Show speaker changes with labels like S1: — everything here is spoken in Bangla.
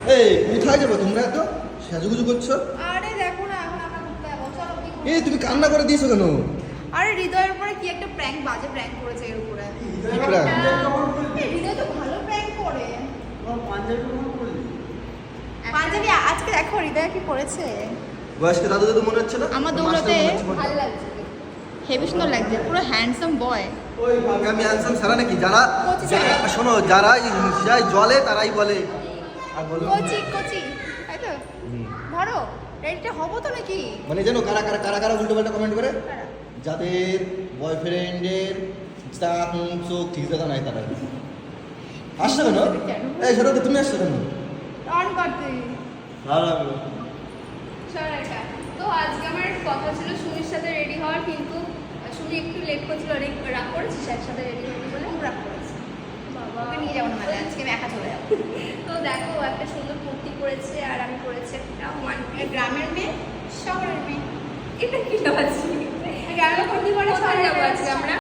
S1: এই কোথায় যাবো তোমরা এত সাজুগুজু করছো?
S2: আরে দেখো না এখন আমরা ঘুরতে যাবো, চলো কি
S1: এই তুমি কান্না করে দিয়েছো কেন?
S2: আরে হৃদয়ের উপরে কি একটা প্র্যাঙ্ক, বাজে প্র্যাঙ্ক করেছে এর উপরে।
S1: কি prank?
S2: এই হৃদয় তো ভালো প্র্যাঙ্ক করে। পাঞ্জাবি আজকে দেখো হৃদয় কি করেছে।
S1: বয়স্ক দাদু দাদু মনে হচ্ছে না?
S2: আমার
S1: মাস্টার
S2: দৌলতে
S1: মনে হচ্ছে মনে
S2: ভালো
S1: হয়।
S2: লাগছে, হেভি সুন্দর লাগছে, পুরো হ্যান্ডসাম বয়।
S1: ওই আমি হ্যান্ডসাম সারা নাকি যারা
S2: কচি ছেলে।
S1: শোনো যারা যাই জলে তারাই বলে আর বলো
S2: কোচি কোচি তাই তো। ধরো রেডিটা হবো তো নাকি?
S1: মানে জানো কারা কারা কারা কারা উল্টো পাল্টা কমেন্ট করে? যাদের বয়ফ্রেন্ডের চোখ ঠিক দেখা নাই তারা আসছো কেন? এই সেটা তুমি আসছো কেন?
S2: অন করতে
S1: ভালো লাগলো।
S3: তো আজকে আমার কথা ছিল সুমির সাথে রেডি হওয়ার, কিন্তু সুমি একটু লেট করছিল, অনেক রাগ করেছিস একসাথে রেডি হবি বলে।
S2: খুব রাগ করেছে।
S3: বাবা
S2: ওকে নিয়ে যাবো না মেলায়, আজকে আমি একা চলে যাবো।
S3: তো দেখো ও একটা সুন্দর কুর্তি পরেছে আর আমি পরেছি একটা
S2: গ্রামের মেয়ে শহরের মেয়ে,
S3: এটা কি আছে
S2: গ্রামের কুর্তি পরে
S3: কোথায়
S2: শহরে
S3: যাবো আজকে আমরা?